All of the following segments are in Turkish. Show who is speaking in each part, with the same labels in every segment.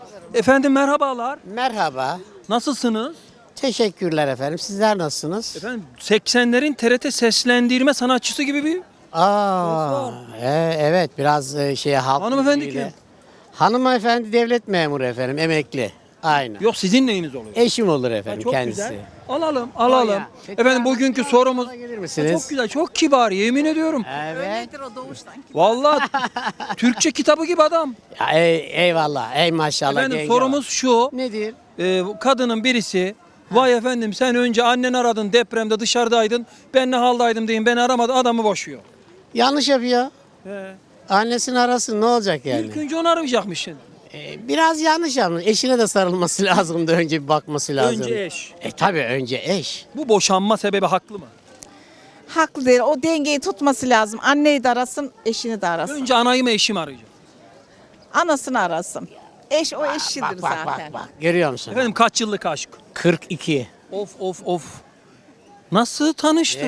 Speaker 1: Efendim merhabalar.
Speaker 2: Merhaba.
Speaker 1: Nasılsınız?
Speaker 2: Teşekkürler efendim. Sizler nasılsınız?
Speaker 1: Efendim 80'lerin TRT seslendirme sanatçısı gibi bir
Speaker 2: Aa, evet biraz halk
Speaker 1: Hanımefendi
Speaker 2: müziğiyle.
Speaker 1: kim?
Speaker 2: Hanımefendi devlet memuru efendim, emekli. Aynen.
Speaker 1: Yok sizin neyiniz oluyor?
Speaker 2: Eşim olur
Speaker 1: Ha,
Speaker 2: efendim
Speaker 1: çok
Speaker 2: kendisi.
Speaker 1: güzel. Alalım.
Speaker 2: Bayağı. Peki
Speaker 1: Efendim
Speaker 2: abi,
Speaker 1: bugünkü
Speaker 2: biraz
Speaker 1: sorumuz
Speaker 2: daha gelir
Speaker 1: Ha,
Speaker 2: misiniz?
Speaker 1: çok güzel, çok kibar yemin ediyorum.
Speaker 2: Evet.
Speaker 1: Vallahi Türkçe kitabı gibi adam.
Speaker 2: Ya, eyvallah. Ey maşallah.
Speaker 1: Efendim
Speaker 2: genge
Speaker 1: sorumuz şu.
Speaker 2: var. Nedir?
Speaker 1: Kadının birisi vay efendim sen önce annen aradın depremde dışarıdaydın. Ben ne haldaydım deyin beni aramadı adamı boşuyor.
Speaker 2: Yanlış yapıyor.
Speaker 1: He.
Speaker 2: Annesini arasın, ne olacak yani?
Speaker 1: İlk önce onu aramayacakmış şimdi.
Speaker 2: Biraz yanlış yapmış. Eşine de sarılması lazımdı. Önce bir bakması lazım.
Speaker 1: Önce eş.
Speaker 2: Tabii önce eş.
Speaker 1: Bu boşanma sebebi haklı mı?
Speaker 3: Haklı değil. O dengeyi tutması lazım. Anneyi de arasın, eşini de arasın.
Speaker 1: Önce anayı mı eşimi arayacak?
Speaker 3: Anasını arasın. Eş o eşidir
Speaker 2: Bak bak
Speaker 3: zaten.
Speaker 2: bak bak. Görüyor musun?
Speaker 1: Efendim kaç yıllık aşk?
Speaker 2: 42.
Speaker 1: Of. Nasıl tanıştın?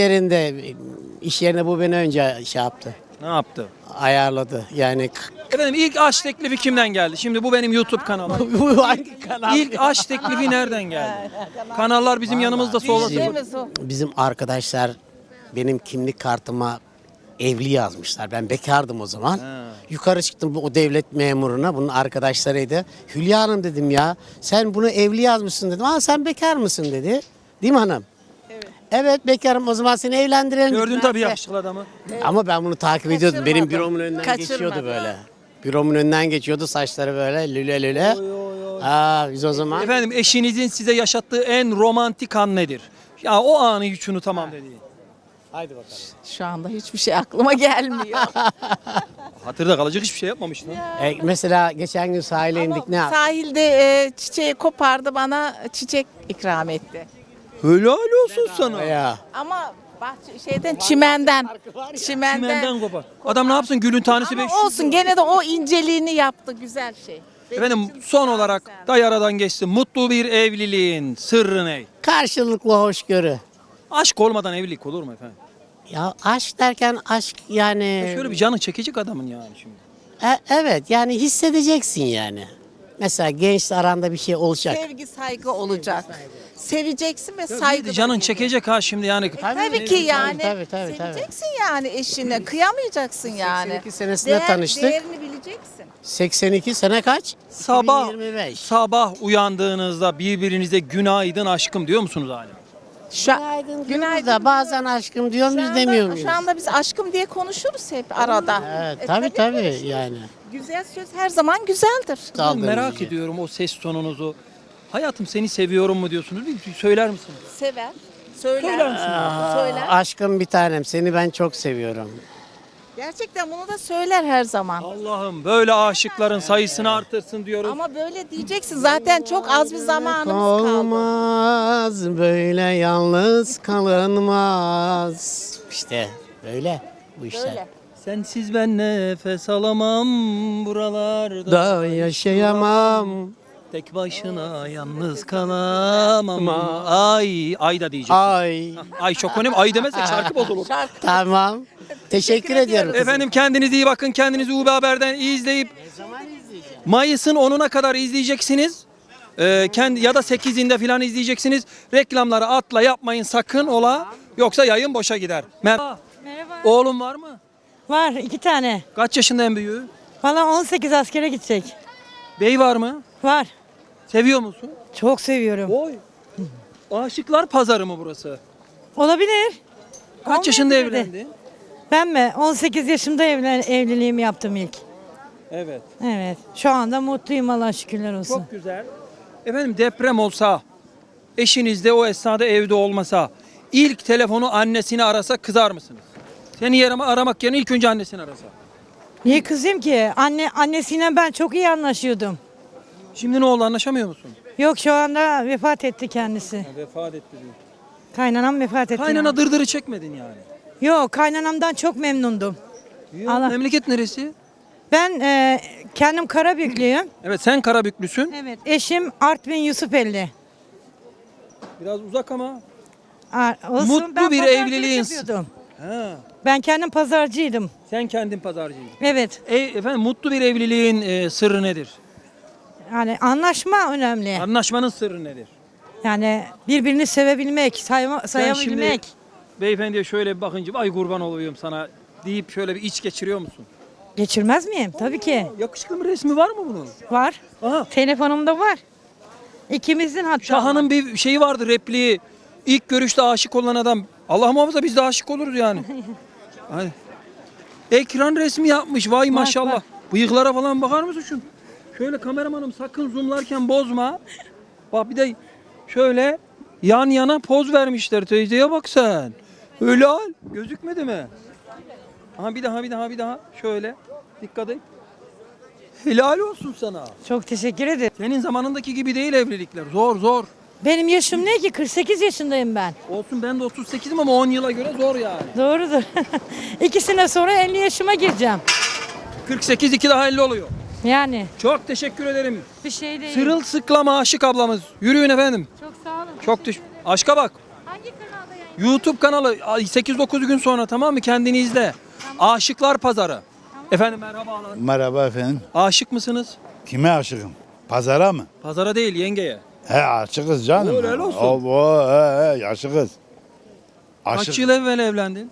Speaker 2: İş yerine bu beni önce şey yaptı.
Speaker 1: Ne yaptı?
Speaker 2: Ayarladı. Yani
Speaker 1: Efendim ilk aşk teklifi kimden geldi? Şimdi bu benim YouTube kanalım.
Speaker 2: bu hangi kanal?
Speaker 1: İlk aşk teklifi nereden geldi? Kanallar bizim yanımızda solda.
Speaker 3: Diyeceğimiz o.
Speaker 2: Bizim arkadaşlar benim kimlik kartıma evli yazmışlar. Ben bekardım o zaman. Yukarı çıktım o devlet memuruna. Bunun arkadaşlarıydı. Hülya Hanım dedim ya. Sen bunu evli yazmışsın dedim. Aa sen bekar mısın dedi. Değil mi hanım? Evet bekarım, o zaman seni evlendirelim.
Speaker 1: Gördün
Speaker 2: dediler.
Speaker 1: tabii yakışıklı adamı.
Speaker 2: Ama ben bunu takip ediyordum. Benim büromun önünden
Speaker 3: Kaçırmadı.
Speaker 2: geçiyordu böyle. Büromun önünden geçiyordu, saçları böyle lüle lüle. Biz o zaman
Speaker 1: Efendim eşinizin size yaşattığı en romantik an nedir? Ya o anı hiç unutamam dediğin.
Speaker 2: haydi bakalım.
Speaker 3: Şu anda hiçbir şey aklıma gelmiyor.
Speaker 1: Hatırda kalacak hiçbir şey yapmamıştın.
Speaker 2: Mesela geçen gün sahile indik, ne yaptık?
Speaker 3: Sahilde çiçeği kopardı, bana çiçek ikram etti.
Speaker 1: Helal olsun sana.
Speaker 2: Ya.
Speaker 3: Ama çimenden.
Speaker 1: Çimenden kopar. Adam ne yapsın gülün tanesi
Speaker 3: Ama
Speaker 1: 500.
Speaker 3: olsun, gene de o inceliğini yaptı, güzel şey. Benim
Speaker 1: Efendim
Speaker 3: için
Speaker 1: son
Speaker 3: çok
Speaker 1: olarak
Speaker 3: güzel.
Speaker 1: da yaradan geçti. Mutlu bir evliliğin sırrı ne?
Speaker 2: Karşılıklı hoşgörü.
Speaker 1: Aşk olmadan evlilik olur mu efendim?
Speaker 2: Ya aşk derken aşk yani.
Speaker 1: Şöyle bir canı çekecek adamın yani şimdi.
Speaker 2: Evet yani hissedeceksin yani. Mesela gençle aranda bir şey olacak.
Speaker 3: Sevgi, saygı olacak. Seveceksin ve
Speaker 1: Bir
Speaker 3: saygı.
Speaker 1: de canın çekecek ha şimdi yani.
Speaker 3: Tabii ki yani.
Speaker 2: Tabii.
Speaker 3: Seveceksin yani eşine. Kıyamayacaksın yani.
Speaker 2: 82 senesinde tanıştık.
Speaker 3: Değerini bileceksin.
Speaker 2: 82 sene kaç?
Speaker 1: Sabah
Speaker 2: 2025.
Speaker 1: sabah uyandığınızda birbirinize günaydın aşkım diyor musunuz hala?
Speaker 2: Günaydın da bazen aşkım diyor muyuz demiyor muyuz?
Speaker 3: Şu anda biz aşkım diye konuşuruz hep arada.
Speaker 2: Evet,
Speaker 3: tabii
Speaker 2: tabii yani.
Speaker 3: Güzel söz her zaman güzeldir.
Speaker 2: Aldığımız
Speaker 1: Merak
Speaker 2: için.
Speaker 1: ediyorum o ses tonunuzu. Hayatım seni seviyorum mu diyorsunuz? Bir söyler misiniz?
Speaker 3: Sever.
Speaker 1: Söyler
Speaker 3: Söyler.
Speaker 1: misiniz?
Speaker 3: Söyler.
Speaker 2: Aşkım bir tanem, seni ben çok seviyorum.
Speaker 3: Gerçekten bunu da söyler her zaman.
Speaker 1: Allah'ım böyle aşıkların sayısını artırsın diyoruz.
Speaker 3: Ama böyle diyeceksin, zaten çok az bir zamanımız kaldı.
Speaker 2: Olmaz böyle yalnız kalınmaz. İşte böyle bu işler.
Speaker 3: Böyle.
Speaker 1: Sensiz ben nefes alamam buralarda.
Speaker 2: Da yaşayamam.
Speaker 1: Tek başına yalnız kalamam. Ay da diyecek.
Speaker 2: Ay.
Speaker 1: Ay çok önemli. Ay demezsek şarkı bozulur.
Speaker 2: Tamam. Teşekkür ediyorum. kızım.
Speaker 1: Efendim kendinize iyi bakın. Kendinizi UB Haber'den izleyip Mayıs'ın 10'una kadar izleyeceksiniz. Ya da 8'inde falan izleyeceksiniz. Reklamları atla yapmayın sakın ola. Yoksa yayın boşa gider. Merhaba. Oğlum var mı?
Speaker 4: Var 2 tane.
Speaker 1: Kaç yaşında en büyüğü?
Speaker 4: Valla 18 askere gidecek.
Speaker 1: Bey var mı?
Speaker 4: Var.
Speaker 1: Seviyor musun?
Speaker 4: Çok seviyorum.
Speaker 1: Oy. Aşıklar pazarı mı burası?
Speaker 4: Olabilir.
Speaker 1: Kaç yaşında
Speaker 4: Olmayabilir de.
Speaker 1: evlendin?
Speaker 4: Ben mi? 18 yaşımda evliliğimi yaptım ilk.
Speaker 1: Evet.
Speaker 4: Evet. Şu anda mutluyum, Allah şükürler olsun.
Speaker 1: Çok güzel. Efendim deprem olsa, eşiniz de o esnada evde olmasa, ilk telefonu annesini arasa kızar mısınız? Seni aramak yerine ilk önce annesini arasa.
Speaker 4: Niye kızayım ki? Annesiyle ben çok iyi anlaşıyordum.
Speaker 1: Şimdi ne oldu anlaşamıyor musun?
Speaker 4: Yok, şu anda vefat etti kendisi.
Speaker 1: Vefat etti diyor.
Speaker 4: Kaynanam vefat etti.
Speaker 1: Kaynana dırdırı çekmedin yani.
Speaker 4: Yok, kaynanamdan çok memnundum. Allah.
Speaker 1: Memleket neresi?
Speaker 4: Ben kendim Karabüklüyüm.
Speaker 1: Evet sen Karabüklüsün.
Speaker 4: Evet. Eşim Artvin Yusufeli.
Speaker 1: Biraz uzak ama.
Speaker 4: Olsun,
Speaker 1: Mutlu
Speaker 4: ben
Speaker 1: bir
Speaker 4: pazarcılık
Speaker 1: evliliğin-
Speaker 4: yapıyordum.
Speaker 1: Ha,
Speaker 4: Ben kendim pazarcıydım.
Speaker 1: sen kendin pazarcıydın.
Speaker 4: Evet.
Speaker 1: Efendim mutlu bir evliliğin sırrı nedir?
Speaker 4: Yani anlaşma önemli.
Speaker 1: Anlaşmanın sırrı nedir?
Speaker 4: Yani birbirini sevebilmek,
Speaker 1: Sen
Speaker 4: sayabilmek.
Speaker 1: şimdi beyefendiye şöyle bir bakınca ay kurban oluyorum sana deyip şöyle bir iç geçiriyor musun?
Speaker 4: Geçirmez miyim? Tabii ki.
Speaker 1: Yakışıklı bir resmi var mı bunun?
Speaker 4: Var.
Speaker 1: Aha.
Speaker 4: Telefonumda var. İkimizin hatta.
Speaker 1: Şahan'ın bir şeyi vardı, repliği. İlk görüşte aşık olan adam. Allah muhafaza biz de aşık oluruz yani. Hani. Ekran resmi yapmış vay maşallah.
Speaker 4: bak.
Speaker 1: Bıyıklara falan bakar mısın şu? Şöyle kameramanım sakın zoomlarken bozma. Bak bir de şöyle yan yana poz vermişler, teyzeye bak sen. Öyle al. Gözükmedi mi? Aha bir daha. Şöyle. Dikkat et. Helal olsun sana.
Speaker 4: Çok teşekkür ederim.
Speaker 1: Senin zamanındaki gibi değil evlilikler. Zor.
Speaker 4: Benim yaşım ne ki? 48 yaşındayım ben.
Speaker 1: Olsun ben de 38'im ama 10 yıla göre zor yani.
Speaker 4: Doğrudur. 2 sene sonra 50 yaşıma gireceğim.
Speaker 1: 48 2 daha 50 oluyor.
Speaker 4: Yani
Speaker 1: Çok teşekkür ederim.
Speaker 4: bir şey değil.
Speaker 1: Sırılsıklam aşık ablamız. Yürüyün efendim.
Speaker 4: Çok sağ olun.
Speaker 1: Çok aşka bak.
Speaker 4: Hangi kanalda yayın?
Speaker 1: YouTube kanalı 8-9 gün sonra tamam mı? Kendini izle. Aşıklar Pazarı. Efendim merhabalar.
Speaker 5: Merhaba efendim.
Speaker 1: Aşık mısınız?
Speaker 5: Kime aşığım? Pazara mı?
Speaker 1: Pazara değil yengeye.
Speaker 5: He aşığız canım.
Speaker 1: Helal olsun.
Speaker 5: He aşığız.
Speaker 1: Kaç yıl evvel evlendin?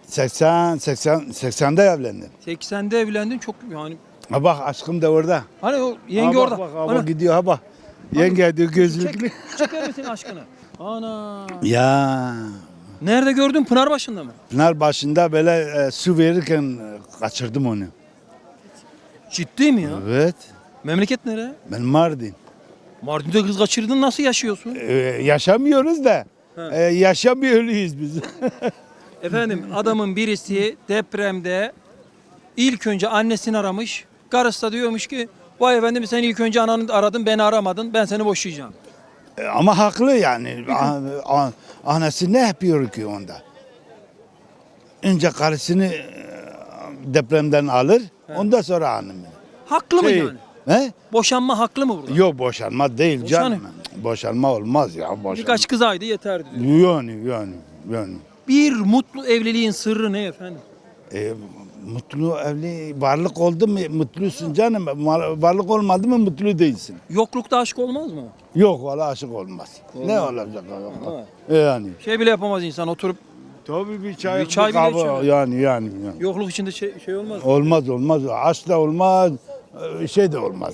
Speaker 5: 80'de evlendim.
Speaker 1: 80'de evlendin çok yani.
Speaker 5: Ha bak aşkım da orada.
Speaker 1: Hani o yenge
Speaker 5: Ha,
Speaker 1: orada.
Speaker 5: Bak,
Speaker 1: Ana,
Speaker 5: bak gidiyor ha bak. Yenge diyor gözlüklü.
Speaker 1: çeker misin aşkını? Ana.
Speaker 5: Ya
Speaker 1: Nerede gördün? Pınarbaşı'nda mı?
Speaker 5: Pınar başında böyle su verirken kaçırdım onu.
Speaker 1: Ciddi mi ya?
Speaker 5: Evet.
Speaker 1: Memleket nere?
Speaker 5: Ben Mardin.
Speaker 1: Mardin'de kız kaçırdın nasıl yaşıyorsun?
Speaker 5: Yaşamıyoruz da.
Speaker 1: He.
Speaker 5: Yaşamıyoruz biz.
Speaker 1: Efendim adamın birisi depremde ilk önce annesini aramış. Karısı da diyormuş ki vay efendim sen ilk önce ananı aradın beni aramadın ben seni boşayacağım.
Speaker 5: Ama haklı yani. Anası ne yapıyor ki onda? Önce karısını depremden alır, ondan sonra hanımını.
Speaker 1: Haklı mı yani?
Speaker 5: He?
Speaker 1: Boşanma haklı mı burada?
Speaker 5: Yok boşanma değil
Speaker 1: Boşanıyor.
Speaker 5: canım. Boşanma olmaz ya. Boşanma.
Speaker 1: Birkaç kız aydı yeterdi diyor.
Speaker 5: Yani.
Speaker 1: Bir mutlu evliliğin sırrı ne efendim?
Speaker 5: Mutlu evli varlık oldu mu mutlusun canım. Varlık olmadı mı mutlu değilsin.
Speaker 1: Yoklukta aşk olmaz mı?
Speaker 5: Yok valla aşık olmaz. Ne olacak? Yani.
Speaker 1: Şey bile yapamaz insan oturup
Speaker 5: Tabii bir çay,
Speaker 1: Bir çay bile
Speaker 5: kahve,
Speaker 1: içemez.
Speaker 5: yani.
Speaker 1: yokluk içinde şey olmaz.
Speaker 5: Olmaz. Aşk da olmaz. Şey de olmaz.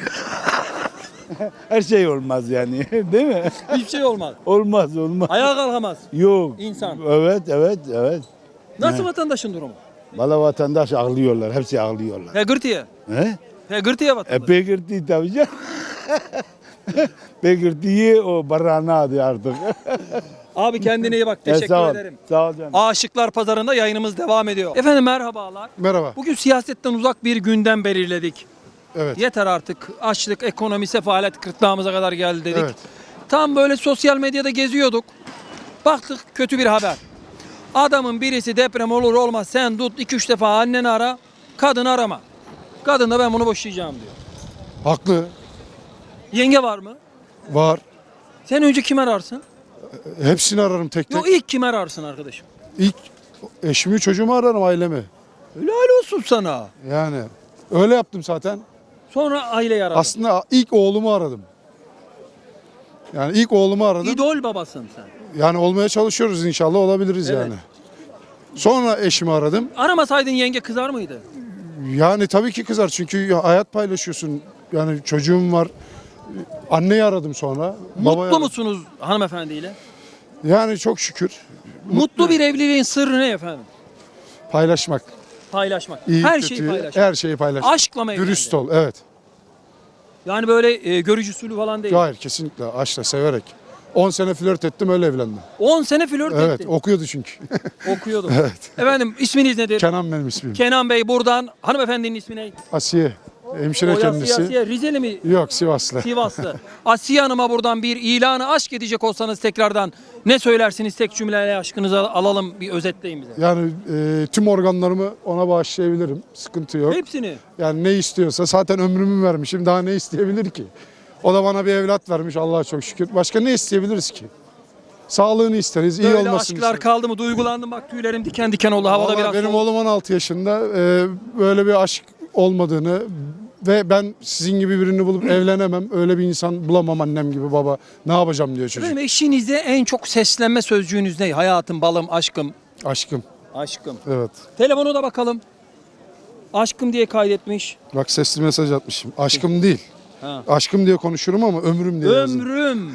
Speaker 5: Her şey olmaz yani. Değil mi?
Speaker 1: Hiçbir şey olmaz.
Speaker 5: Olmaz.
Speaker 1: Ayağa kalkamaz.
Speaker 5: Yok.
Speaker 1: İnsan.
Speaker 5: Evet.
Speaker 1: Nasıl vatandaşın durumu?
Speaker 5: Valla vatandaş ağlıyorlar. Hepsi ağlıyorlar.
Speaker 1: Pegırtıya.
Speaker 5: He?
Speaker 1: Pegırtıya vatandaş.
Speaker 5: Pekirti tabii canım. Pekirtiyi o barana adı artık.
Speaker 1: Abi kendine iyi bak. Teşekkür
Speaker 5: sağ ol.
Speaker 1: ederim.
Speaker 5: Sağ ol canım.
Speaker 1: Aşıklar Pazarı'nda yayınımız devam ediyor. Efendim merhabalar.
Speaker 6: Merhaba.
Speaker 1: Bugün siyasetten uzak bir gündem belirledik.
Speaker 6: Evet.
Speaker 1: Yeter artık. Açlık, ekonomi, sefalet gırtlağımıza kadar geldi dedik.
Speaker 6: Evet.
Speaker 1: Tam böyle sosyal medyada geziyorduk. Baktık kötü bir haber. Adamın birisi deprem olur olmaz sen tut 2-3 defa anneni ara, kadını arama. Kadın da ben bunu boşayacağım diyor.
Speaker 6: Haklı.
Speaker 1: Yenge var mı?
Speaker 6: Var.
Speaker 1: Sen önce kim ararsın?
Speaker 6: Hepsini ararım tek tek.
Speaker 1: Yok ilk kim ararsın arkadaşım?
Speaker 6: İlk eşimi, çocuğumu ararım, ailemi.
Speaker 1: Helal olsun sana.
Speaker 6: Yani öyle yaptım zaten.
Speaker 1: Sonra aileyi aradın.
Speaker 6: Aslında ilk oğlumu aradım. Yani ilk oğlumu aradım.
Speaker 1: İdol babasın sen.
Speaker 6: Yani olmaya çalışıyoruz, inşallah olabiliriz
Speaker 1: Evet.
Speaker 6: yani. Sonra eşimi aradım.
Speaker 1: Aramasaydın yenge kızar mıydı?
Speaker 6: Yani tabii ki kızar çünkü ya hayat paylaşıyorsun. Yani çocuğum var. Anneyi aradım sonra. babayı
Speaker 1: Mutlu
Speaker 6: aradım.
Speaker 1: musunuz hanımefendiyle?
Speaker 6: Yani çok şükür.
Speaker 1: Mutlu bir evliliğin sırrı ne efendim?
Speaker 6: Paylaşmak.
Speaker 1: Paylaşmak.
Speaker 6: İyi,
Speaker 1: Her
Speaker 6: kötüyü,
Speaker 1: şeyi paylaşmak.
Speaker 6: Her şeyi paylaşmak.
Speaker 1: Aşkla mı evlendin?
Speaker 6: Dürüst ol, evet.
Speaker 1: Yani böyle görücü usulü falan değil.
Speaker 6: Hayır, kesinlikle aşkla, severek. 10 sene flört ettim, öyle evlendim.
Speaker 1: 10 sene flört
Speaker 6: Evet,
Speaker 1: ettin.
Speaker 6: okuyordu çünkü.
Speaker 1: Okuyordum. Efendim isminiz nedir?
Speaker 6: Kenan benim ismim.
Speaker 1: Kenan Bey buradan hanımefendinin ismi ne?
Speaker 6: Asiye, hemşire kendisi.
Speaker 1: Asiye, Rizeli mi?
Speaker 6: Yok, Sivaslı.
Speaker 1: Sivaslı. Asiye Hanım'a buradan bir ilanı aşk edecek olsanız tekrardan ne söylersiniz tek cümleyle aşkınızı alalım bir özetleyin bize.
Speaker 6: Yani tüm organlarımı ona bağışlayabilirim. Sıkıntı yok.
Speaker 1: Hepsini.
Speaker 6: Yani ne istiyorsa, zaten ömrümü vermişim. Daha ne isteyebilir ki? O da bana bir evlat vermiş, Allah'a çok şükür. Başka ne isteyebiliriz ki? Sağlığını isteriz, iyi
Speaker 1: Böyle
Speaker 6: olmasını
Speaker 1: aşklar
Speaker 6: isteriz.
Speaker 1: kaldı mı? Duygulandım bak tüylerim diken diken oldu havada
Speaker 6: Vallahi
Speaker 1: biraz.
Speaker 6: benim
Speaker 1: soğuk.
Speaker 6: oğlum 16 yaşında. Böyle bir aşk olmadığını, ve ben sizin gibi birini bulup evlenemem. Öyle bir insan bulamam annem gibi baba. Ne yapacağım diyor çocuk.
Speaker 1: Efendim eşinize en çok seslenme sözcüğünüz ne? Hayatım, balım, aşkım.
Speaker 6: Aşkım.
Speaker 1: Aşkım.
Speaker 6: Evet.
Speaker 1: Telefona da bakalım. Aşkım diye kaydetmiş.
Speaker 6: Bak sesli mesaj atmışım. Aşkım değil.
Speaker 1: Ha.
Speaker 6: Aşkım diye konuşurum ama ömrüm diye yazdım.
Speaker 1: Ömrüm.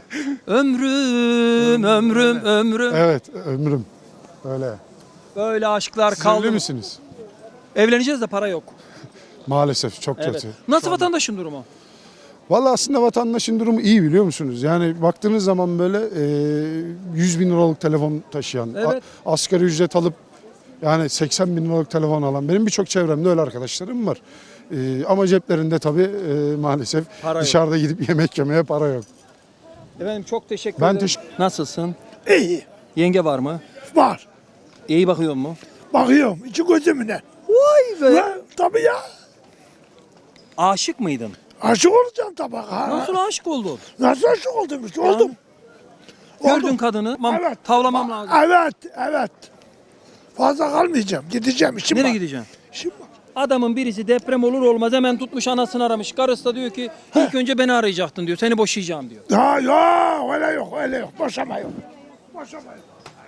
Speaker 1: ömrüm.
Speaker 6: Evet ömrüm. Öyle.
Speaker 1: Böyle aşklar
Speaker 6: Siz
Speaker 1: kaldı
Speaker 6: evli
Speaker 1: mı?
Speaker 6: misiniz?
Speaker 1: Evleneceğiz de para yok.
Speaker 6: Maalesef çok
Speaker 1: Evet.
Speaker 6: kötü.
Speaker 1: Nasıl vatandaşın durumu?
Speaker 6: Vallahi aslında vatandaşın durumu iyi biliyor musunuz? Yani baktığınız zaman böyle 100 bin liralık telefon taşıyan,
Speaker 1: Evet.
Speaker 6: asgari ücret alıp yani 80 bin liralık telefon alan benim birçok çevremde öyle arkadaşlarım var. Ama ceplerinde tabii maalesef
Speaker 1: Para yok.
Speaker 6: dışarıda gidip yemek yemeye para yok.
Speaker 1: Efendim çok teşekkür
Speaker 6: Ben
Speaker 1: ederim.
Speaker 6: teşekkür-
Speaker 1: Nasılsın?
Speaker 7: İyi.
Speaker 1: Yenge var mı?
Speaker 7: Var.
Speaker 1: İyi bakıyor mu?
Speaker 7: Bakıyorum içi gözümüne.
Speaker 1: Vay be.
Speaker 7: Ha, tabii ya.
Speaker 1: Aşık mıydın?
Speaker 7: Aşık olacağım tabii. Ha.
Speaker 1: Nasıl aşık oldun?
Speaker 7: Nasıl aşık oldum işte oldum.
Speaker 1: Gördün kadını.
Speaker 7: Evet.
Speaker 1: Tavlamam lazım.
Speaker 7: Evet. Fazla kalmayacağım. Gideceğim. İşim
Speaker 1: Nereye
Speaker 7: var.
Speaker 1: gideceksin?
Speaker 7: İşim var.
Speaker 1: Adamın birisi deprem olur olmaz hemen tutmuş anasını aramış. Karısı da diyor ki ilk önce beni arayacaktın diyor. Seni boşayacağım diyor.
Speaker 7: Ha yok öyle yok. Boşama yok. Boşama yok.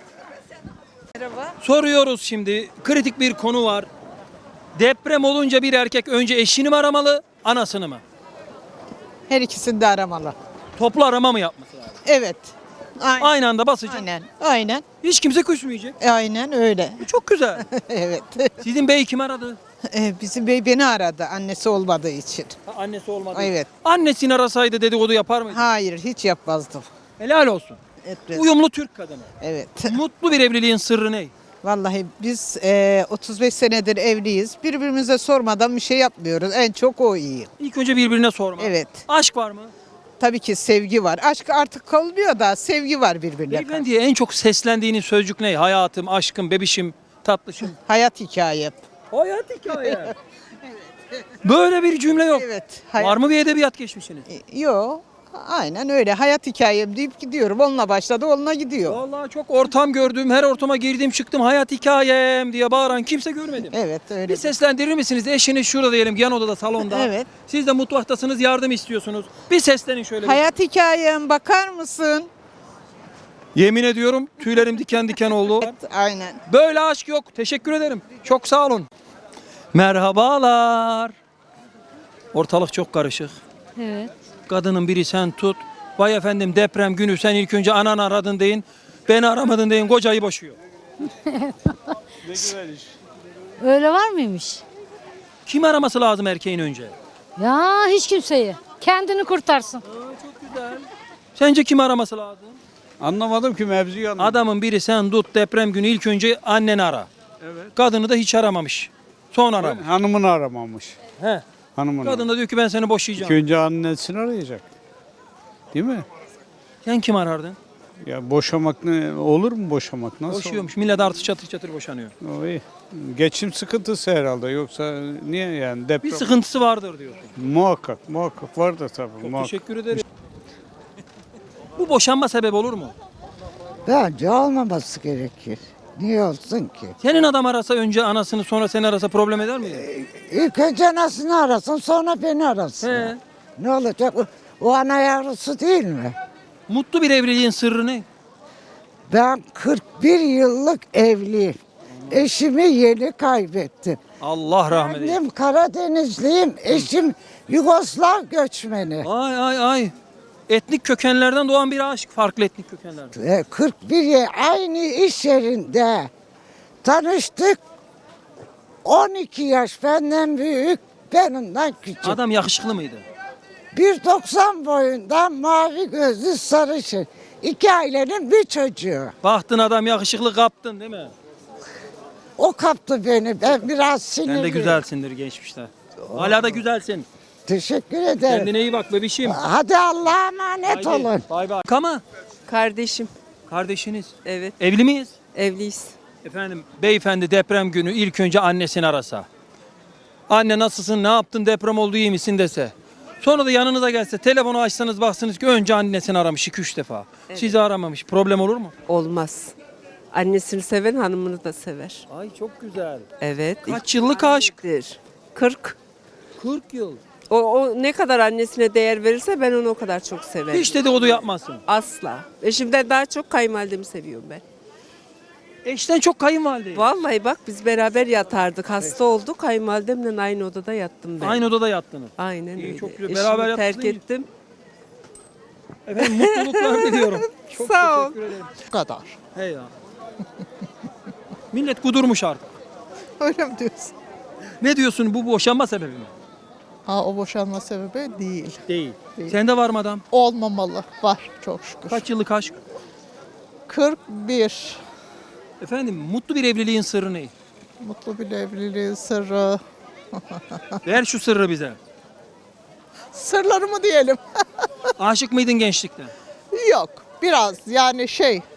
Speaker 1: Soruyoruz şimdi. Kritik bir konu var. Deprem olunca bir erkek önce eşini mi aramalı, anasını mı?
Speaker 3: Her ikisini de aramalı.
Speaker 1: Toplu arama mı yapması lazım?
Speaker 3: Evet. Aynen.
Speaker 1: Aynı anda basacak.
Speaker 3: Aynen.
Speaker 1: Hiç kimse küsmeyecek.
Speaker 3: Aynen öyle.
Speaker 1: Bu çok güzel.
Speaker 3: Evet.
Speaker 1: Sizin bey kim aradı?
Speaker 3: Bizim bey beni aradı annesi olmadığı için.
Speaker 1: Ha, annesi olmadı.
Speaker 3: Evet.
Speaker 1: Annesini arasaydı dedikodu yapar mıydı?
Speaker 3: Hayır hiç yapmazdım.
Speaker 1: Helal olsun.
Speaker 3: Evet.
Speaker 1: Uyumlu Türk kadını.
Speaker 3: Evet.
Speaker 1: Mutlu bir evliliğin sırrı ne?
Speaker 3: Vallahi biz 35 senedir evliyiz. Birbirimize sormadan bir şey yapmıyoruz. En çok o iyi.
Speaker 1: İlk önce birbirine sorma.
Speaker 3: Evet.
Speaker 1: Aşk var mı?
Speaker 3: Tabii ki sevgi var. Aşk artık kalmıyor da sevgi var birbirine.
Speaker 1: Beyefendiye en çok seslendiğiniz sözcük ne? Hayatım, aşkım, bebişim, tatlışım.
Speaker 3: Hayat hikayem.
Speaker 1: Hayat hikaye. Böyle bir cümle yok.
Speaker 3: Evet.
Speaker 1: Var mı bir edebiyat geçmişiniz?
Speaker 3: Yok. Aynen öyle. Hayat hikayem deyip gidiyorum. Onunla başladı, onunla gidiyor.
Speaker 1: Vallahi çok ortam gördüm. Her ortama girdim çıktım. Hayat hikayem diye bağıran kimse görmedim.
Speaker 3: Evet öyle.
Speaker 1: Bir seslendirir misiniz? Eşiniz şurada diyelim yan odada salonda.
Speaker 3: Evet.
Speaker 1: Siz de mutfaktasınız yardım istiyorsunuz. Bir seslenin şöyle. bir.
Speaker 3: Hayat hikayem bakar mısın?
Speaker 1: Yemin ediyorum tüylerim diken diken oldu.
Speaker 3: Aynen.
Speaker 1: Böyle aşk yok. Teşekkür ederim. Çok sağ olun. Merhabalar. Ortalık çok karışık.
Speaker 8: Evet.
Speaker 1: Kadının biri sen tut. Vay efendim deprem günü sen ilk önce ananı aradın deyin. Beni aramadın deyin kocayı boşuyor.
Speaker 8: Öyle var mıymış?
Speaker 1: Kim araması lazım erkeğin önce?
Speaker 8: Ya hiç kimseyi. Kendini kurtarsın.
Speaker 1: Çok güzel. Sence kim araması lazım?
Speaker 9: Anlamadım ki mevzuyu anlamadım.
Speaker 1: Adamın biri sen tut deprem günü ilk önce anneni ara.
Speaker 9: Evet.
Speaker 1: Kadını da hiç aramamış. Son aramış.
Speaker 9: Hanımını aramamış.
Speaker 1: He.
Speaker 9: Hanımını.
Speaker 1: Kadın da diyor ki ben seni
Speaker 9: İlk
Speaker 1: boşayacağım.
Speaker 9: önce annesini arayacak. Değil mi?
Speaker 1: Sen kim arardın?
Speaker 9: Ya boşamak ne olur mu boşamak? Nasıl?
Speaker 1: Boşuyormuş. Millet artı çatır çatır boşanıyor.
Speaker 9: olur? O iyi. Geçim sıkıntısı herhalde yoksa niye yani deprem?
Speaker 1: Bir sıkıntısı vardır diyorsun.
Speaker 9: Muhakkak vardır tabii.
Speaker 1: Çok
Speaker 9: muhakkak.
Speaker 1: teşekkür ederim. Bu boşanma sebebi olur mu?
Speaker 10: Bence olmaması gerekir. Niye olsun ki?
Speaker 1: Senin adam arasa önce anasını sonra seni arasa problem eder miydi?
Speaker 10: İlk önce anasını arasın sonra beni arasın.
Speaker 1: He.
Speaker 10: Ne olacak? O ana yavrusu değil mi?
Speaker 1: Mutlu bir evliliğin sırrı ne?
Speaker 10: Ben 41 yıllık evliyim. Eşimi yeni kaybettim.
Speaker 1: Allah rahmet eylesin.
Speaker 10: Annem Karadenizliyim. Eşim Yugoslav göçmeni.
Speaker 1: Ay ay ay. Etnik kökenlerden doğan bir aşk. Farklı etnik kökenlerden.
Speaker 10: 41 yıl aynı iş yerinde tanıştık. 12 yaş benden büyük, benimden küçük.
Speaker 1: Adam yakışıklı mıydı?
Speaker 10: 1.90 boyunda mavi gözlü sarışın. İki ailenin bir çocuğu.
Speaker 1: Baktın adam yakışıklı kaptın değil mi?
Speaker 10: O kaptı beni. Ben biraz sinirliyim.
Speaker 1: Sen de güzelsindir geçmişte. Hala da güzelsin.
Speaker 10: Teşekkür ederim.
Speaker 1: Kendine iyi bak bebişim.
Speaker 10: Hadi Allah'a emanet
Speaker 1: Haydi,
Speaker 10: olun.
Speaker 1: Bay bay. Kama.
Speaker 11: Kardeşim,
Speaker 1: Kardeşiniz.
Speaker 11: evet,
Speaker 1: Evli miyiz?
Speaker 11: evliyiz.
Speaker 1: Efendim beyefendi deprem günü ilk önce annesini arasa. Anne nasılsın ne yaptın deprem oldu iyi misin dese. Sonra da yanınıza gelse telefonu açsanız baksanız ki önce annesini aramış 2-3 defa. Sizi aramamış. Problem olur mu?
Speaker 11: Olmaz. Annesini seven hanımını da sever.
Speaker 1: Ay çok güzel.
Speaker 11: Evet.
Speaker 1: Kaç yıllık aşk?
Speaker 11: 40.
Speaker 1: 40 yıl.
Speaker 11: O ne kadar annesine değer verirse ben onu o kadar çok severim.
Speaker 1: Hiç dedikodu yapmazsın.
Speaker 11: Asla. Eşimden daha çok kayınvalidemi seviyorum ben.
Speaker 1: Eşten çok kayınvalide.
Speaker 11: Vallahi bak biz beraber yatardık. Hasta olduk. Kayınvalidemle aynı odada yattım ben.
Speaker 1: Aynı odada yattınız.
Speaker 11: Aynen
Speaker 1: İyi,
Speaker 11: öyle.
Speaker 1: çok güzel.
Speaker 11: Eşimi
Speaker 1: Beraber
Speaker 11: terk
Speaker 1: yattınız.
Speaker 11: ettim.
Speaker 1: Efendim mutluluklar diliyorum. Çok
Speaker 11: Sağ ol.
Speaker 1: teşekkür ederim.
Speaker 3: Bu kadar.
Speaker 1: Hey ya. Millet kudurmuş artık.
Speaker 3: Öyle mi diyorsun?
Speaker 1: Ne diyorsun, bu boşanma sebebi mi?
Speaker 3: O boşanma sebebi değil.
Speaker 1: Değil. Sende var mı adam?
Speaker 3: Olmamalı. Var çok şükür.
Speaker 1: Kaç yıllık aşk?
Speaker 3: 41.
Speaker 1: Efendim mutlu bir evliliğin sırrı ne?
Speaker 3: Mutlu bir evliliğin sırrı.
Speaker 1: Ver şu sırrı bize.
Speaker 3: Sırları mı diyelim?
Speaker 1: Aşık mıydın gençlikte?
Speaker 3: Yok. Biraz yani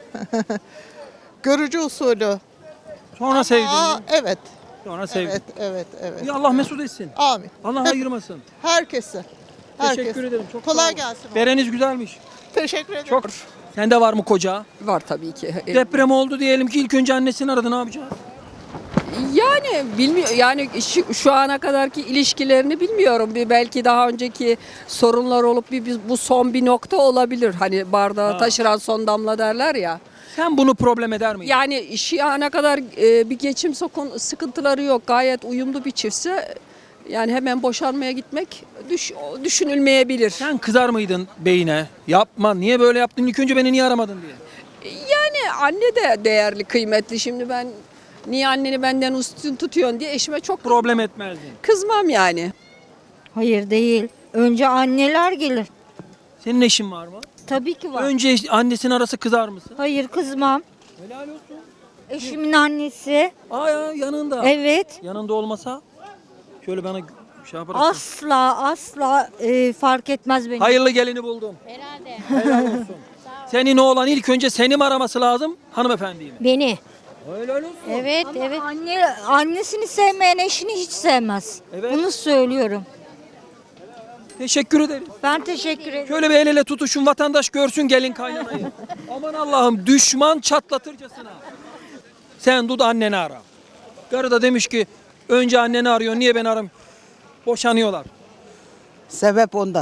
Speaker 3: görücü usulü.
Speaker 1: Sonra sevdin mi?
Speaker 3: Evet.
Speaker 1: Sonra sevdin.
Speaker 3: Evet.
Speaker 1: Ya Allah mesut etsin.
Speaker 3: Amin.
Speaker 1: Allah ayırmasın.
Speaker 3: Herkese.
Speaker 1: Teşekkür ederim. Çok sağ
Speaker 3: Kolay
Speaker 1: olun.
Speaker 3: gelsin.
Speaker 1: Bereniz güzelmiş.
Speaker 3: Teşekkür ederim.
Speaker 1: Çok. Sende var mı koca?
Speaker 11: Var tabii ki.
Speaker 1: Deprem oldu diyelim ki ilk önce annesini aradı, ne yapacağız?
Speaker 11: Yani bilmiyor yani şu ana kadarki ilişkilerini bilmiyorum. Belki daha önceki sorunlar olup bu son bir nokta olabilir. Hani bardağı taşıran son damla derler ya.
Speaker 1: Sen bunu problem eder miydin?
Speaker 11: Yani şu ana kadar bir geçim sıkıntıları yok. Gayet uyumlu bir çiftse yani hemen boşanmaya gitmek düşünülmeyebilir.
Speaker 1: Sen kızar mıydın beyine? Yapma, niye böyle yaptın? İlk önce beni niye aramadın diye.
Speaker 11: Yani anne de değerli, kıymetli. Şimdi ben niye anneni benden üstün tutuyorsun diye eşime çok
Speaker 1: Problem etmezdin.
Speaker 11: kızmam yani.
Speaker 4: Hayır değil. Önce anneler gelir.
Speaker 1: Senin eşin var mı?
Speaker 4: Tabii ki var.
Speaker 1: Önce annesinin arası kızar mısın?
Speaker 4: Hayır kızmam.
Speaker 1: Helal olsun.
Speaker 4: Eşimin annesi.
Speaker 1: Aa ya, yanında.
Speaker 4: Evet.
Speaker 1: Yanında olmasa şöyle bana şey yaparsın.
Speaker 4: Asla fark etmez beni.
Speaker 1: Hayırlı gelini buldum.
Speaker 8: Herhalde.
Speaker 1: Helal olsun. Senin oğlan ilk önce seni mi araması lazım, hanımefendiyi mi?
Speaker 8: Beni.
Speaker 1: Helal olsun.
Speaker 8: Evet, evet.
Speaker 4: Annesini sevmeyen eşini hiç sevmez.
Speaker 1: Evet.
Speaker 4: Bunu söylüyorum.
Speaker 1: Teşekkür ederim.
Speaker 4: Ben teşekkür ederim.
Speaker 1: Şöyle bir el ele tutuşun, vatandaş görsün gelin kaynanayı. Aman Allah'ım, düşman çatlatırcasına. Sen tut anneni ara. Karı da demiş ki önce anneni arıyor, niye ben aram? Boşanıyorlar.
Speaker 10: Sebep ondan.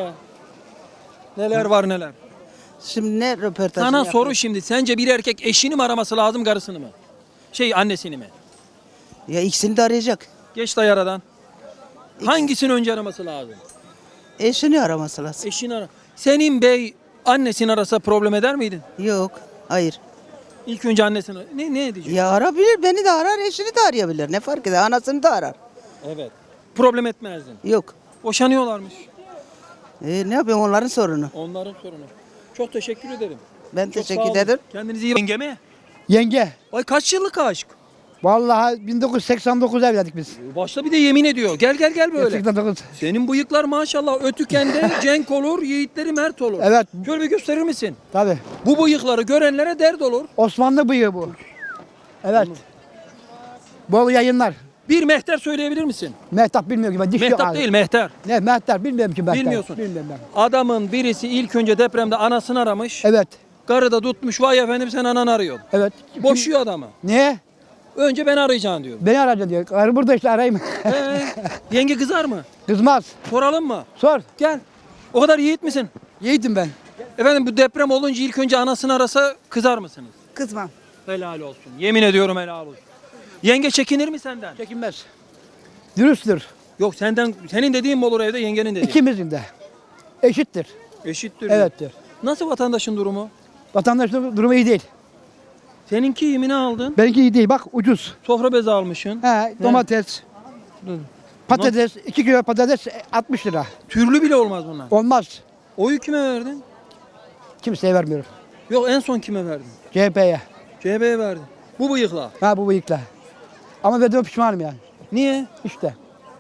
Speaker 1: Neler var neler.
Speaker 10: Şimdi ne röportajı
Speaker 1: Sana soru şimdi, sence bir erkek eşini mi araması lazım, karısını mı? Annesini mi?
Speaker 10: Ya ikisini de arayacak.
Speaker 1: Geç dayı aradan. Hangisini önce araması lazım?
Speaker 10: Eşini araması lazım.
Speaker 1: Eşini ara. Senin bey annesini arasa problem eder miydin?
Speaker 10: Yok. Hayır.
Speaker 1: İlk önce annesini. Ne edecek?
Speaker 10: Ya arabilir. Beni de arar. Eşini de arayabilir. Ne fark eder? Anasını da arar.
Speaker 1: Evet. Problem etmezdin.
Speaker 10: Yok.
Speaker 1: Boşanıyorlarmış.
Speaker 10: Ne yapayım onların sorunu.
Speaker 1: Onların sorunu. Çok teşekkür ederim.
Speaker 10: Ben
Speaker 1: Çok sağ
Speaker 10: teşekkür
Speaker 1: olun.
Speaker 10: ederim.
Speaker 1: Kendinize iyi bakın. Yenge mi?
Speaker 5: Yenge.
Speaker 1: Ay kaç yıllık aşk?
Speaker 5: Vallahi 1989 evlendik biz.
Speaker 1: Başta bir de yemin ediyor. Gel böyle.
Speaker 5: 89.
Speaker 1: Senin bıyıklar maşallah ötükende cenk olur, yiğitleri mert olur.
Speaker 5: Evet.
Speaker 1: Şöyle bir gösterir misin?
Speaker 5: Tabii.
Speaker 1: Bu bıyıkları görenlere dert olur.
Speaker 5: Osmanlı bıyığı bu. Evet. Bol yayınlar.
Speaker 1: Bir mehter söyleyebilir misin?
Speaker 5: Mehtap bilmiyorum ki ben. Diş yok
Speaker 1: Mehtap
Speaker 5: abi.
Speaker 1: değil, mehter.
Speaker 5: Ne mehter bilmiyorum ki mehter.
Speaker 1: Bilmiyorsun.
Speaker 5: Bilmiyorum ben.
Speaker 1: Adamın birisi ilk önce depremde anasını aramış.
Speaker 5: Evet.
Speaker 1: Karı da tutmuş, vay efendim sen ananı arıyorsun.
Speaker 5: Evet.
Speaker 1: Boşuyor adamı.
Speaker 5: Niye?
Speaker 1: Önce beni arayacaksın diyor.
Speaker 5: Beni arayacaksın diyor. Karı burada işte arayayım.
Speaker 1: Yenge kızar mı?
Speaker 5: Kızmaz.
Speaker 1: Soralım mı?
Speaker 5: Sor.
Speaker 1: Gel. O kadar yiğit misin?
Speaker 5: Yiğidim ben.
Speaker 1: Efendim bu deprem olunca ilk önce anasını arasa kızar mısınız?
Speaker 10: Kızmam.
Speaker 1: Helal olsun. Yemin ediyorum helal olsun. Yenge çekinir mi senden?
Speaker 5: Çekinmez. Dürüsttür.
Speaker 1: Yok senden, senin dediğin mi olur evde, yengenin dediği?
Speaker 5: İkimizin de. Eşittir.
Speaker 1: Eşittir. diyor.
Speaker 5: Evettir.
Speaker 1: Nasıl vatandaşın durumu?
Speaker 5: Vatandaşın durumu iyi değil.
Speaker 1: Seninki yemini aldın.
Speaker 5: Benimki iyi değil. Bak ucuz.
Speaker 1: Sofra bezi almışsın.
Speaker 5: He, domates, patates, 2 kilo patates 60 lira.
Speaker 1: Türlü bile olmaz bunlar.
Speaker 5: Olmaz.
Speaker 1: Oyu kime verdin?
Speaker 5: Kimseye vermiyorum.
Speaker 1: Yok en son kime verdin?
Speaker 5: CHP'ye.
Speaker 1: CHP'ye verdin. Bu bıyıkla.
Speaker 5: Ha bu bıyıkla. Ama verdiğime pişmanım yani.
Speaker 1: Niye?
Speaker 5: İşte.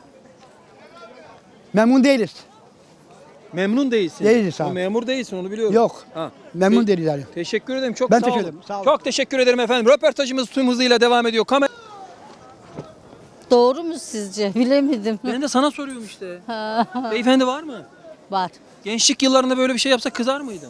Speaker 5: Memnun değiliz.
Speaker 1: Memnun değilsin.
Speaker 5: Değiliz
Speaker 1: O
Speaker 5: abi.
Speaker 1: memur değilsin, onu biliyorum.
Speaker 5: Yok.
Speaker 1: Ha.
Speaker 5: Memnun değiliz yani.
Speaker 1: Teşekkür ederim. Çok
Speaker 5: Ben
Speaker 1: sağ
Speaker 5: teşekkür
Speaker 1: olun.
Speaker 5: ederim, sağ olun.
Speaker 1: Çok teşekkür ederim efendim. Röportajımız tüm hızıyla devam ediyor. Kamera.
Speaker 8: Doğru mu sizce? Bilemedim.
Speaker 1: Ben de sana soruyorum işte. Beyefendi var mı?
Speaker 8: Var.
Speaker 1: Gençlik yıllarında böyle bir şey yapsa kızar mıydın?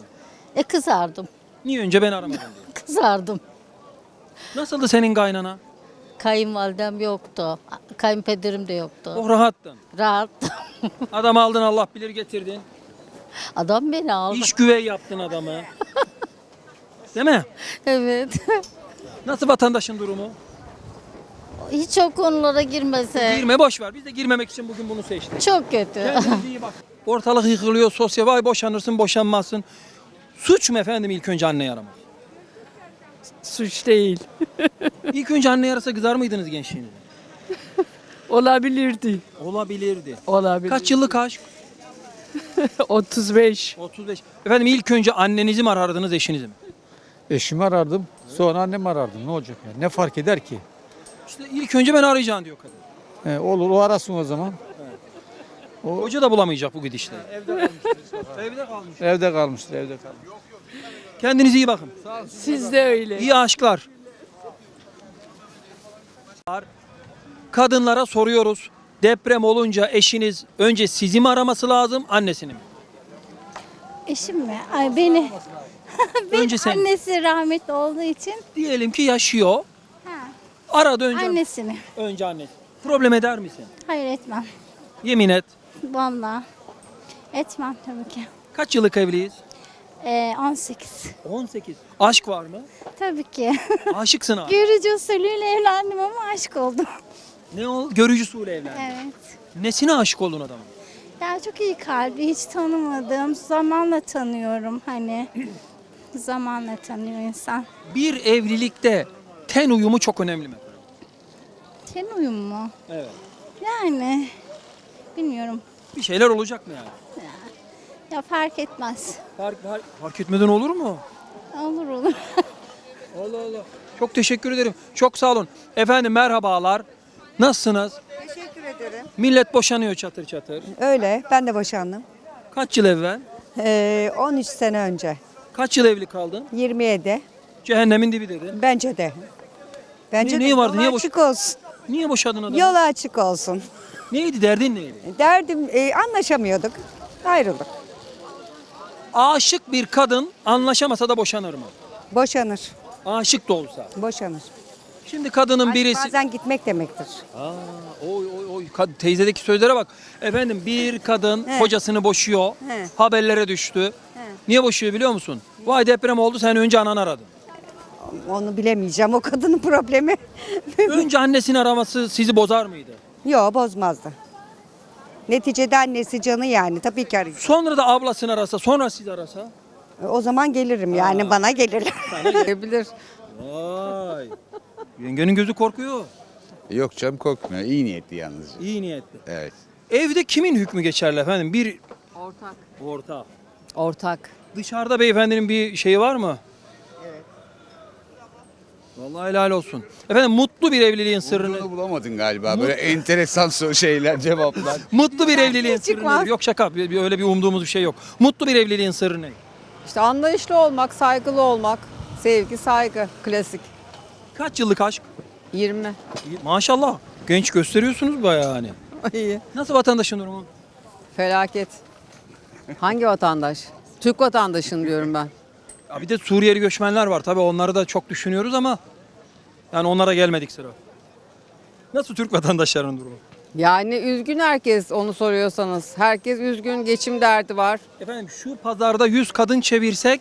Speaker 8: Kızardım.
Speaker 1: Niye önce ben aramadım diye.
Speaker 8: Kızardım.
Speaker 1: Nasıldı senin kaynana?
Speaker 8: Kayınvalidem yoktu. Kayınpederim de yoktu.
Speaker 1: Oh rahattın.
Speaker 8: Rahat.
Speaker 1: Adam aldın Allah bilir getirdin.
Speaker 8: Adam beni aldı.
Speaker 1: İş güvey yaptın adamı. Değil mi?
Speaker 8: Evet.
Speaker 1: Nasıl vatandaşın durumu?
Speaker 8: Hiç o konulara girmese.
Speaker 1: Girme boş ver. Biz de girmemek için bugün bunu seçtik.
Speaker 8: Çok kötü.
Speaker 1: Kendinize iyi bak. Ortalık yıkılıyor, sosyal. Vay boşanırsın, boşanmazsın. Suç mu efendim ilk önce anneyi aramak?
Speaker 11: Suç değil.
Speaker 1: İlk önce anneyi arasa kızar mıydınız gençliğinizde?
Speaker 11: Olabilirdi.
Speaker 1: Olabilirdi.
Speaker 11: Olabilir.
Speaker 1: Kaç yıllık aşk?
Speaker 11: 35.
Speaker 1: 35. Efendim ilk önce annenizi mi arardınız, eşinizi mi?
Speaker 9: Eşimi arardım. Sonra annemi arardım. Ne olacak yani? Ne fark eder ki?
Speaker 1: İşte ilk önce ben arayacağım diyor kadın.
Speaker 9: Olur o arasın o zaman.
Speaker 1: Hoca da bulamayacak bu gidişle. Evde kalmış.
Speaker 9: Evde kalmıştır, evde kalmış.
Speaker 1: Kendinize iyi bakın.
Speaker 11: Siz de öyle.
Speaker 1: İyi aşklar. Kadınlara soruyoruz. Deprem olunca eşiniz önce sizi mi araması lazım, annesini mi?
Speaker 8: Eşim mi? Ay beni.
Speaker 1: Önce sen.
Speaker 8: Annesi rahmetli olduğu için
Speaker 1: Diyelim ki yaşıyor. Aradı önce.
Speaker 8: annesini.
Speaker 1: Önce annesi. Problem eder misin?
Speaker 8: Hayır etmem.
Speaker 1: Yemin et.
Speaker 8: Vallahi. Etmem tabii ki.
Speaker 1: Kaç yıllık evliyiz?
Speaker 8: 18.
Speaker 1: 18. Aşk var mı?
Speaker 8: Tabii ki.
Speaker 1: Aşıksın abi.
Speaker 8: Görücü usulüyle evlendim ama aşk oldum.
Speaker 1: Ne o? Görücü usulü evlendi.
Speaker 8: Evet.
Speaker 1: Nesine aşık oldun adamın?
Speaker 8: Ya çok iyi kalbi, hiç tanımadım. Zamanla tanıyorum hani. Zamanla tanıyor insan.
Speaker 1: Bir evlilikte ten uyumu çok önemli mi?
Speaker 8: Ten uyum mu?
Speaker 1: Evet.
Speaker 8: Yani bilmiyorum.
Speaker 1: Bir şeyler olacak mı yani?
Speaker 8: Ya fark etmez.
Speaker 1: Fark etmeden olur mu?
Speaker 8: Olur olur.
Speaker 1: Allah Allah. Çok teşekkür ederim. Çok sağ olun. Efendim merhabalar. Nasılsınız?
Speaker 3: Teşekkür ederim.
Speaker 1: Millet boşanıyor çatır çatır.
Speaker 3: Öyle, ben de boşandım.
Speaker 1: Kaç yıl evvel?
Speaker 3: 13 sene önce.
Speaker 1: Kaç yıl evli kaldın?
Speaker 3: 27.
Speaker 1: Cehennemin dibi dedin.
Speaker 3: Bence de. Bence
Speaker 1: Niye
Speaker 3: de
Speaker 1: vardı, niye
Speaker 3: yolu
Speaker 1: boş-
Speaker 3: açık olsun.
Speaker 1: Niye boşadın adamı?
Speaker 3: Yolu açık olsun.
Speaker 1: Neydi derdin neydi?
Speaker 3: Derdim anlaşamıyorduk. Ayrıldık.
Speaker 1: Aşık bir kadın anlaşamasa da boşanır mı?
Speaker 3: Boşanır.
Speaker 1: Aşık da olsa.
Speaker 3: Boşanır.
Speaker 1: Şimdi kadının
Speaker 3: Aşk
Speaker 1: birisi...
Speaker 3: bazen gitmek demektir.
Speaker 1: Oy teyzedeki sözlere bak. Efendim bir kadın
Speaker 3: He.
Speaker 1: kocasını boşuyor.
Speaker 3: He.
Speaker 1: Haberlere düştü. Niye boşuyor biliyor musun? Vay deprem oldu sen önce ananı aradın.
Speaker 3: Onu bilemeyeceğim. O kadının problemi.
Speaker 1: Önce annesini araması sizi bozar mıydı?
Speaker 3: Yok, bozmazdı. Neticede annesi canı yani. Tabii ki arayacak.
Speaker 1: Sonra da ablasını arasa, sonra sizi arasa?
Speaker 3: O zaman gelirim yani, bana gelirler.
Speaker 11: Bilir.
Speaker 1: Vay. Yengenin gözü korkuyor.
Speaker 12: Yok canım korkmuyor. İyi niyetli yalnız.
Speaker 1: İyi niyetli.
Speaker 12: Evet.
Speaker 1: Evde kimin hükmü geçerli efendim? Bir
Speaker 11: Ortak.
Speaker 1: orta.
Speaker 11: Ortak.
Speaker 1: Dışarıda beyefendinin bir şeyi var mı? Evet. Vallahi helal olsun. Efendim mutlu bir evliliğin sırrını...
Speaker 12: Bunu bulamadın galiba. Böyle enteresan şeyler, cevaplar.
Speaker 1: Mutlu bir evliliğin sırrı
Speaker 11: çıkmaz.
Speaker 1: nedir? Yok şaka. Öyle bir umduğumuz bir şey yok. Mutlu bir evliliğin sırrı ne?
Speaker 11: İşte anlayışlı olmak, saygılı olmak, sevgi, saygı, klasik.
Speaker 1: Kaç yıllık aşk?
Speaker 11: 20.
Speaker 1: Maşallah. Genç gösteriyorsunuz bayağı hani.
Speaker 11: İyi.
Speaker 1: Nasıl vatandaşın durumu?
Speaker 11: Felaket. Hangi vatandaş? Türk vatandaşın diyorum ben.
Speaker 1: Ya bir de Suriyeli göçmenler var. Tabii onları da çok düşünüyoruz ama yani onlara gelmedik sıra. Nasıl Türk vatandaşlarının durumu?
Speaker 11: Yani üzgün herkes onu soruyorsanız. Herkes üzgün, geçim derdi var.
Speaker 1: Efendim şu pazarda 100 kadın çevirsek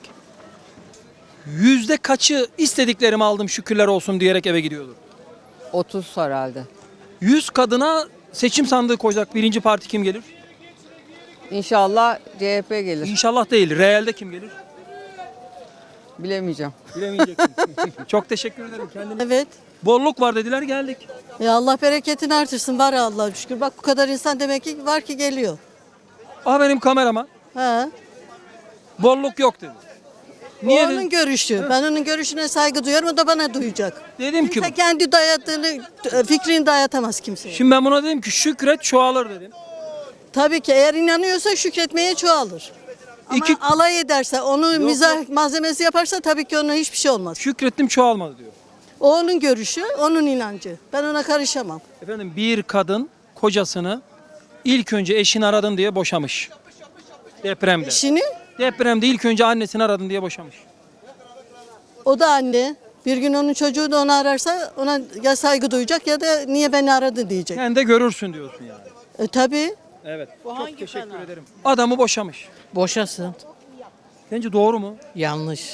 Speaker 1: yüzde kaçı istediklerimi aldım şükürler olsun diyerek eve gidiyordur?
Speaker 11: 30 herhalde.
Speaker 1: 100 kadına seçim sandığı koyacak birinci parti kim gelir?
Speaker 11: İnşallah CHP gelir.
Speaker 1: İnşallah değil. Realde kim gelir?
Speaker 11: Bilemeyeceğim.
Speaker 1: Bilemeyeceksin. Çok teşekkür ederim. Kendine.
Speaker 10: Evet.
Speaker 1: Bolluk var dediler geldik.
Speaker 10: Ya Allah bereketini artırsın var ya Allah'a şükür. Bak bu kadar insan demek ki var ki geliyor.
Speaker 1: Aha benim kameraman.
Speaker 10: Ha.
Speaker 1: Bolluk yok dedi. Niye
Speaker 10: O onun
Speaker 1: dedim?
Speaker 10: görüşü. Ben onun görüşüne saygı duyuyorum. O da bana duyacak.
Speaker 1: Dedim ki
Speaker 10: Kimse kendi dayattığını, fikrini dayatamaz kimseye.
Speaker 1: şimdi ben buna dedim ki şükret çoğalır dedim.
Speaker 10: Tabii ki eğer inanıyorsa şükretmeye çoğalır. Ama
Speaker 1: İki-
Speaker 10: alay ederse, onu mizah malzemesi yaparsa tabii ki ona hiçbir şey olmaz.
Speaker 1: Şükrettim çoğalmadı diyor.
Speaker 10: O onun görüşü, onun inancı. Ben ona karışamam.
Speaker 1: Efendim bir kadın kocasını ilk önce eşini aradın diye boşamış. Depremde.
Speaker 10: Eşini,
Speaker 1: Depremde ilk önce annesini aradın diye boşamış.
Speaker 10: o da anne. Bir gün onun çocuğu da onu ararsa ona ya saygı duyacak ya da niye beni aradı diyecek.
Speaker 1: Sen de görürsün diyorsun yani.
Speaker 10: Tabii.
Speaker 1: Evet. Çok teşekkür ederim. Adamı boşamış.
Speaker 4: Boşasın.
Speaker 1: Sence doğru mu?
Speaker 4: Yanlış.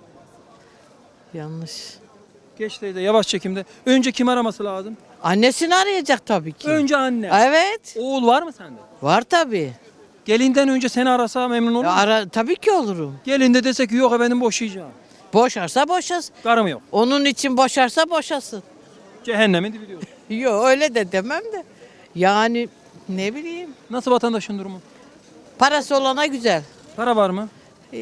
Speaker 4: Yanlış.
Speaker 1: Geç teyze yavaş çekimde. Önce kim araması lazım?
Speaker 4: Annesini arayacak tabii ki.
Speaker 1: Önce anne.
Speaker 4: Evet.
Speaker 1: Oğul var mı sende?
Speaker 4: Var tabii.
Speaker 1: Gelinden önce seni arasa memnun olur musun?
Speaker 4: Tabii ki olurum.
Speaker 1: Gelin de desek ki yok efendim boşayacağım.
Speaker 4: Boşarsa boşasın.
Speaker 1: Karım yok.
Speaker 4: Onun için boşarsa boşasın.
Speaker 1: Cehennemin dibi diyorsun.
Speaker 4: Yok öyle de demem de. Yani ne bileyim.
Speaker 1: Nasıl vatandaşın durumu?
Speaker 4: Parası olana güzel.
Speaker 1: Para var mı?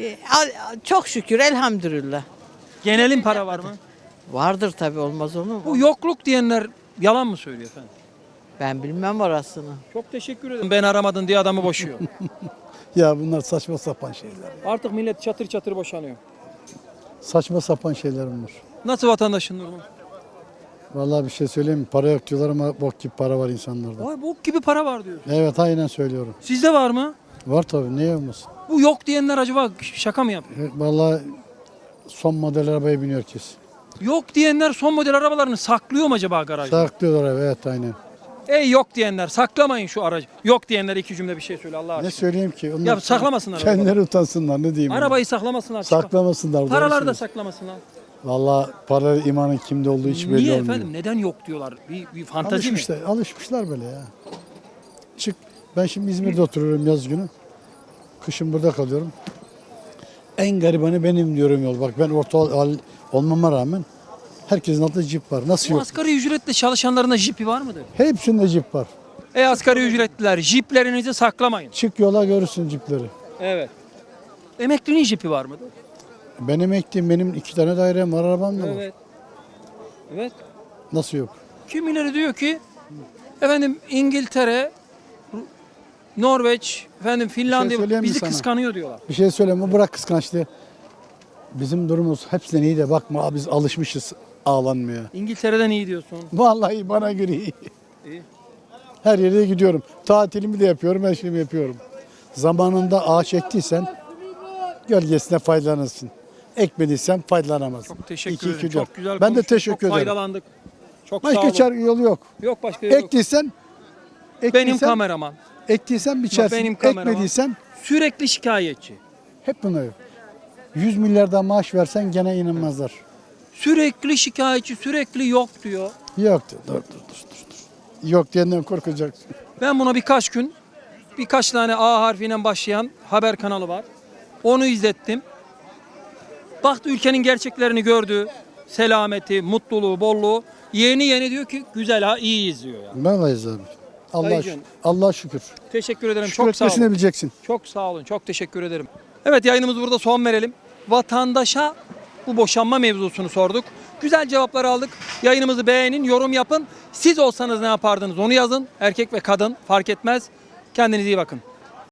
Speaker 4: Çok şükür elhamdülillah.
Speaker 1: Genelin para var mı?
Speaker 4: Vardır tabii olmaz olur mu?
Speaker 1: Bu yokluk diyenler yalan mı söylüyor efendim?
Speaker 4: Ben bilmem orasını.
Speaker 1: Çok teşekkür ederim. Ben aramadın diye adamı boşuyor.
Speaker 5: Ya bunlar saçma sapan şeyler.
Speaker 1: Artık millet çatır çatır boşanıyor.
Speaker 5: Saçma sapan şeyler bunlar.
Speaker 1: Nasıl vatandaşın durumu?
Speaker 5: Vallahi bir şey söyleyeyim mi? Para yok diyorlar ama bok gibi para var insanlarda.
Speaker 1: Vay bok gibi para var diyor.
Speaker 5: Evet aynen söylüyorum.
Speaker 1: Sizde var mı?
Speaker 5: Var tabii niye olmasın?
Speaker 1: Bu yok diyenler acaba şaka mı yapıyor?
Speaker 5: Vallahi son model arabaya biniyor herkes.
Speaker 1: Yok diyenler son model arabalarını saklıyor mu acaba garajda?
Speaker 5: Saklıyorlar evet aynen.
Speaker 1: Ey yok diyenler saklamayın şu aracı. Yok diyenler iki cümle bir şey söyle Allah
Speaker 5: Ne
Speaker 1: aşkına.
Speaker 5: söyleyeyim ki? Onlar
Speaker 1: Ya saklamasınlar
Speaker 5: kendileri utansınlar ne diyeyim.
Speaker 1: Arabayı saklamasınlar.
Speaker 5: Saklamasınlar. doğru
Speaker 1: Paraları da
Speaker 5: söylüyorsun.
Speaker 1: saklamasınlar.
Speaker 5: Vallahi para imanın kimde olduğu hiç belli
Speaker 1: Niye
Speaker 5: olmuyor.
Speaker 1: efendim? Neden yok diyorlar? Bir fantazi mi?
Speaker 5: Alışmışlar böyle ya. Çık. Ben şimdi İzmir'de oturuyorum yaz günü. Kışın burada kalıyorum. En garibanı benim diyorum yol. Bak ben orta olmama rağmen herkesin altında jip var. Nasıl
Speaker 1: Bu
Speaker 5: yok?
Speaker 1: asgari ücretle çalışanların da jipi var mıdır?
Speaker 5: Hepsinde jip var.
Speaker 1: Ey asgari ücretliler jiplerinizi saklamayın.
Speaker 5: Çık yola görürsün jipleri.
Speaker 1: Evet. Emeklinin jipi var mıdır?
Speaker 5: Ben emekliyim. Benim 2 tane dairem var. Arabam da var.
Speaker 1: Evet. Evet.
Speaker 5: Nasıl yok?
Speaker 1: Kimileri diyor ki efendim İngiltere, Norveç, efendim Finlandiya
Speaker 5: söyleyeyim mi
Speaker 1: bizi
Speaker 5: sana?
Speaker 1: kıskanıyor diyorlar.
Speaker 5: Bir şey söyleme. Bırak kıskançlığı. Bizim durumumuz hepsinden iyi de bakma biz alışmışız ağlanmaya.
Speaker 1: İngiltere'den iyi diyorsun.
Speaker 5: Vallahi bana göre iyi.
Speaker 1: İyi.
Speaker 5: Her yere gidiyorum. Tatilimi de yapıyorum, her şeyimi yapıyorum. Zamanında ağaç ektiysen gölgesine faydalanırsın. Ekmediysen faydalanamazsın.
Speaker 1: Çok teşekkür
Speaker 5: İki,
Speaker 1: ederim.
Speaker 5: iki, dört.
Speaker 1: Çok güzel
Speaker 5: Ben de
Speaker 1: konuştun.
Speaker 5: teşekkür
Speaker 1: Çok
Speaker 5: ederim.
Speaker 1: faydalandık. Çok sağ
Speaker 5: Başka
Speaker 1: olun.
Speaker 5: çare yolu yok.
Speaker 1: Yok başka yolu yok.
Speaker 5: Ektiysen
Speaker 1: Benim kameraman.
Speaker 5: Ektiysen biçersin.
Speaker 1: Benim kameraman.
Speaker 5: Ekmediysen
Speaker 1: Sürekli şikayetçi.
Speaker 5: hep buna yok. 100 milyardan maaş versen gene inanmazlar.
Speaker 1: Sürekli şikayetçi, sürekli yok diyor.
Speaker 5: Yok diyor. Dur. Yok diyenden korkacaksın.
Speaker 1: Ben buna birkaç tane A harfiyle başlayan haber kanalı var. Onu izlettim. Baktı ülkenin gerçeklerini gördü. Selameti, mutluluğu, bolluğu. Yeni diyor ki güzel ha iyiyiz diyor yani.
Speaker 5: Vallahi abi.
Speaker 1: Dayıcığım.
Speaker 5: Allah şükür.
Speaker 1: Teşekkür ederim.
Speaker 5: Şükür
Speaker 1: Çok sağ
Speaker 5: etmesini
Speaker 1: olun.
Speaker 5: bileceksin.
Speaker 1: Çok sağ olun. Çok teşekkür ederim. Evet yayınımızı burada son verelim. Vatandaşa bu boşanma mevzusunu sorduk. Güzel cevaplar aldık. Yayınımızı beğenin, yorum yapın. Siz olsanız ne yapardınız onu yazın. Erkek ve kadın fark etmez. Kendinize iyi bakın.